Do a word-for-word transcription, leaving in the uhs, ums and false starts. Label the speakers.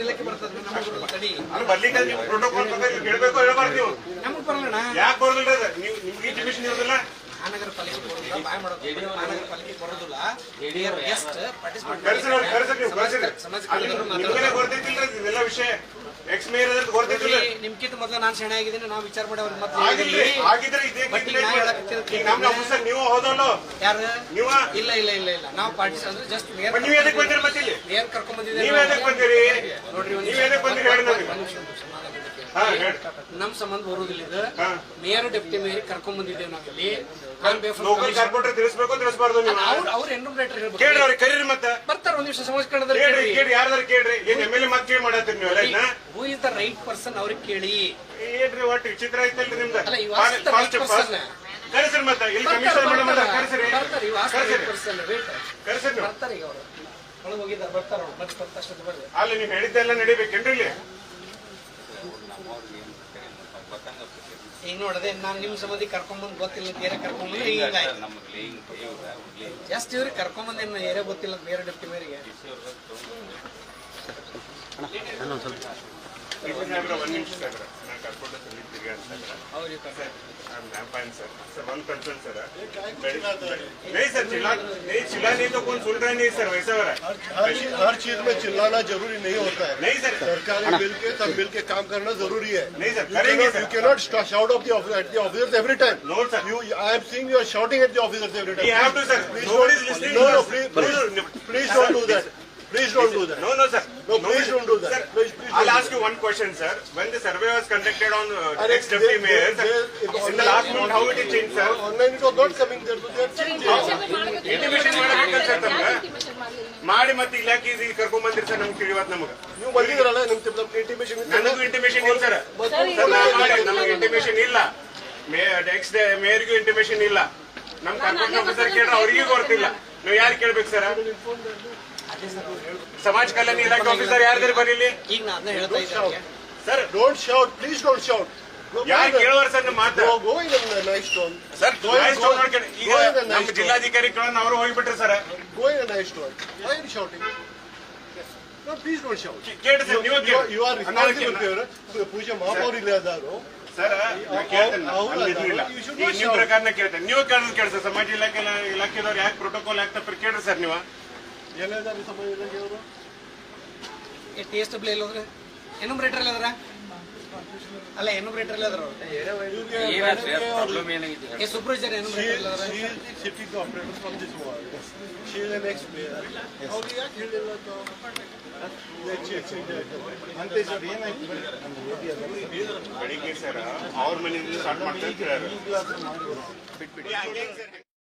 Speaker 1: ಇಲಾಖೆ ಬರ್ತದೆ ನಮಗೆ ತಡಿ
Speaker 2: ಅದು ಬರ್ಲಿಕ್ಕೆ ನೀವು ಪ್ರೋಟೋಕಾಲ್ ಪ್ರಕಾರ ಕೇಳಬೇಕು ಹೇಳಬಾರ್ದು ನೀವು
Speaker 1: ನಮಗೆ ಬರಲ್ಲ
Speaker 2: ಯಾಕೆ ಬರೋದಿಲ್ಲ ನೀವು ನಿಮ್ಗೆ ಇಂಟಿಮೇಷನ್ ಇರೋದಿಲ್ಲ
Speaker 1: ಮಹಾನಗರ ಪಾಲಿಕೆ ಬರೋದಿಲ್ಲ ಬಾಯ್ ಮಾಡೋದು ಮಹಾನಗರ ಪಾಲಿಕೆ ಬರೋದಿಲ್ಲ ಗೆಸ್ಟ್
Speaker 2: ನಿಮ್ಗೆ ಗೊತ್ತೈತಿಲ್ಲ ಇದೆಲ್ಲ ವಿಷಯ ಎಕ್ಸ್ ಮೇಯರ್ ಅದ್ರ ಗೊತ್ತೈತಿಲ್ಲ
Speaker 1: ನಿಮ್ಗಿಂತ ಮೊದಲು ನಾನು ಸೆಣೆ ಆಗಿದ್ದೀನಿ ನಾವು ವಿಚಾರ ಮಾಡಿ ಅವ್ರಿಗೆ ಮತ್ತೆ
Speaker 2: ಆಗಿದ್ರೆ ಇದೇ ನಮ್ಮ ಆಫೀಸರ್ ನೀವು ಹೋದಲ್ಲ
Speaker 1: ಯಾರು
Speaker 2: ನೀವು
Speaker 1: ಇಲ್ಲ ಇಲ್ಲ ಇಲ್ಲ ಇಲ್ಲ ನಾವು ಪಾರ್ಟಿಸ್ ಅಂದ್ರೆ ಜಸ್ಟ್ ಮೇಯರ್
Speaker 2: ನೀವು ಎದಕ್ಕೆ ಬಂದಿರಿ ಮತ್ತೆ ಇಲ್ಲಿ
Speaker 1: ಮೇಯರ್ ಕರ್ಕೊಂಡ್ ಬಂದಿದ್ದೀವಿ
Speaker 2: ನೀವು ಎದಕ್ಕೆ ಬಂದಿರಿ
Speaker 1: ನೋಡ್ರಿ
Speaker 2: ನೀವು ಎದಕ್ಕೆ ಬಂದಿರಿ ಹೇಳಿ ನಮಗೆ
Speaker 1: ನಮ್ ಸಂಬಂಧ ಬರುವುದಿಲ್ಲ ಇದು ಮೇಯರ್ ಡೆಪ್ಟಿ ಮೇಯರ್ ಕರ್ಕೊಂಡ್ ಬಂದಿದ್ದೇವೆ ನಾವಿಲ್ಲಿ
Speaker 2: ಲೋಕಲ್ ಕಾರ್ಪೊರೇಟರ್ ತಿಳಿಸಬೇಕು ತಿಳಿಸಬಾರ್ದು ನೀವು
Speaker 1: ಅವ್ರ ಎನ್ಯೂಮರೇಟರ್ ಹೇಳ್ಬೇಕು
Speaker 2: ಕೇಳ್ರಿ ಅವ್ರಿಗೆ ಕರೀರಿ ಮತ್ತೆ
Speaker 1: ಬರ್ತಾರ ಒಂದ್ ನಿಮಿಷ ಸಮಾಜ ಕನ್ನಡದಲ್ಲಿ
Speaker 2: ಕೇಳ್ರಿ ಕೇಳಿ ಯಾರ್ದಾರು ಕೇಳ್ರಿ ಏನ್ ಎಮ್ ಎಲ್ ಎ ಮತ್ತೆ ಕೇಳಿ ಮಾಡತ್ತೀರಿ ನೀವೆಲ್ಲ
Speaker 1: who is the right person ಅವ್ರಿಗೆ ಕೇಳಿ
Speaker 2: ಏನ್ರಿ ಒಟ್ಟು ವಿಚಿತ್ರ ಐತಲ್ರಿ ನಿಮ್ದು
Speaker 1: ಅಲ್ಲ ಇವ್
Speaker 2: ಕರೆಸ್ರಿ ಮತ್ತೆ ಇಲ್ಲಿ ಕಮಿಷನರ್ ಮೇಡಮ್ ಅದ ಕರೆಸ್ರಿ ಕರೆಸ್ರಿ ನೀವು
Speaker 1: ಬರ್ತಾರೆ ಈಗ ಅವರು ಒಳಗೆ ಹೋಗಿದ್ದಾರೆ ಬರ್ತಾರ ಅವ್ರು ಮತ್ತೆ ಬರ್ತಾಷ್ಟು ಬರ್ರಿ
Speaker 2: ಅಲ್ಲಿ ನೀವು ಹೇಳಿದ್ದೆಲ್ಲ ನಡಿಬೇಕೇನ್ರಿ ಇಲ್ಲಿ
Speaker 1: ಈಗ ನೋಡದೆ ನಾನು ನಿಮ್ ಸಂಬಂಧಿ ಕರ್ಕೊಂಡ್ಬಂದ್ ಗೊತ್ತಿಲ್ಲ ಬೇರೆ ಕರ್ಕೊಂಡ್ಬಂದ್ರೆ ಈಗ ಜಾಸ್ತಿ ಇವ್ರಿಗೆ ಕರ್ಕೊಂಡ್ಬಂದ್ ಏನ್ ಏರಿಯಾ ಗೊತ್ತಿಲ್ಲ ಬೇರೆ ಡೆಪ್ಟಿ ಮೇರಿಗೆ
Speaker 2: ಒಂದ್ ನಿಮಿಷ ಸಾಹೇಬ್ರ ನಾನು ಕರ್ಕೊಂಡು ತಿರ್ಗಿ ಅಂತ सर वन कंसर्न सर नहीं सर चिल्ला नहीं चिल्ला नहीं तो कौन सुन रहा नहीं सर वैसा हो रहा है
Speaker 3: हर चीज में चिल्लाना जरूरी नहीं होता है
Speaker 2: नहीं सर
Speaker 3: सरकारी मिल के सब मिल के काम करना जरूरी है
Speaker 2: नहीं सर करेंगे sir
Speaker 3: you can not shout of the at the officers every time
Speaker 2: no sir
Speaker 3: you I am seeing you are shouting at the officers every time
Speaker 2: you have to sir nobody is listening
Speaker 3: no no please please don't do that Please don't do that.
Speaker 2: No, no, sir.
Speaker 3: No, please don't do that.
Speaker 2: Sir,
Speaker 3: please, please
Speaker 2: I'll ask you one question, sir. When the survey was conducted on uh, ex-deputy mayor, in the last month, how it is changed, sir?
Speaker 3: Online it was not coming there, so they are changing.
Speaker 2: Intimation ಮಾಡಬೇಕಂತ sir ತಮ್ಗೆ ಮಾಡಿ ಮತ್ತೆ ಇಲಾಖೆ ಕರ್ಕೊಂಡ್ ಬಂದಿರಿ sir ನಮ್ಗೆ ತಿಳಿವತ್ ನಮಗೆ
Speaker 3: ನೀವು ಬಂದಿದ್ರಲ್ಲ ನಿಮ್ ಇಂಟಿಮೇಷನ್
Speaker 2: ನನಗೂ ಇಂಟಿಮೇಷನ್ ಇಲ್ಲ ಸರ್ ನಮಗೆ ಇಂಟಿಮೇಷನ್ ಇಲ್ಲ ಎಕ್ಸ್ ಮೇಯರ್ಗೂ ಇಂಟಿಮೇಷನ್ ಇಲ್ಲ ನಮ್ ಕಾರ್ಪೊರೇಟ್ ಆಫೀಸರ್ ಕೇಳ್ರೆ ಅವ್ರಿಗೂ ಗೊತ್ತಿಲ್ಲ ನೀವು ಯಾರು ಕೇಳ್ಬೇಕು ಸರ್ ಸಮಾಜ ಕಲ್ಯಾಣ ಇಲಾಖೆ ಆಫೀಸರ್ ಯಾರ್ದಾರು ಬರೀಲಿ
Speaker 1: ಈಗ ನಾನು ಹೇಳ್ತಾ ಇದ್ದೀನಿ
Speaker 3: sir don't shout please don't shout
Speaker 2: ಯಾರು ಕೇಳುವರ್ ಸರ್ ನಿಮ್ಮ ಮಾತು
Speaker 3: go in nice tone
Speaker 2: sir nice tone ನೋಡ್ಕೊಂಡು ಈಗ ನಮ್ಮ ಜಿಲ್ಲಾಧಿಕಾರಿಗಳನ್ನ ಅವರು ಹೋಗಿಬಿಟ್ರೆ sir
Speaker 3: go in nice tone why are shouting no please don't shout
Speaker 2: ಕೇಳಿ ಸರ್ ನೀವು ಕೇಳಿ
Speaker 3: ಯು ಆರ್ ರೆಸ್ಪಾನ್ಸಿಬಲ್ ಪೂಜೆ ಮಹಾಪೌರ್ ಇಲ್ಲದಾರು
Speaker 2: ಸರ್ ನಿಮ್ ಪ್ರಕಾರನ ಕೇಳ್ತೇನೆ ನೀವು ಕೇಳಿದ್ರೆ ಕೇಳಿ ಸರ್ ಸಮಾಜ ಇಲಾಖೆ ಇಲಾಖೆದವ್ರು ಯಾಕೆ ಪ್ರೋಟೋಕಾಲ್ ಯಾಕೆ ತಪ್ಪು ಕೇಳ್ರಿ ಸರ್ ನೀವು
Speaker 3: ಏನಿದ್ದಾರೆ ಸಮಾಜ ಇಲಾಖೆಯವರು
Speaker 1: ಟಿ ಎಸ್ ಡಬ್ಲ್ಯೂ ಎಲ್ಲೋದ್ರೆ ಎನ್ಯೂಮರೇಟರ್ ಎಲ್ಲದ್ರ ಅಲ್ಲ ಎನ್ಯೂಮರೇಟರ್ ಎಲ್ಲದ್ರ ಸೂಪರ್ವೈಸರ್ ಎನ್ಯೂಮರೇಟರ್ ಎಲ್ಲದ್ರ
Speaker 3: sitting operator from this world she is an ex mayor ಅವ್ರು ಯಾಕೆ ಹೇಳಿಲ್ಲ
Speaker 2: ಅಂತೆ ಸರ್ ಏನಾಯ್ತು ಬೆಳಿಗ್ಗೆ ಸರ್ ಅವ್ರ ಮನೆಯಿಂದ ಸ್ಟಾರ್ಟ್ ಮಾಡ್ತಾ ಇರ್ತಾರೆ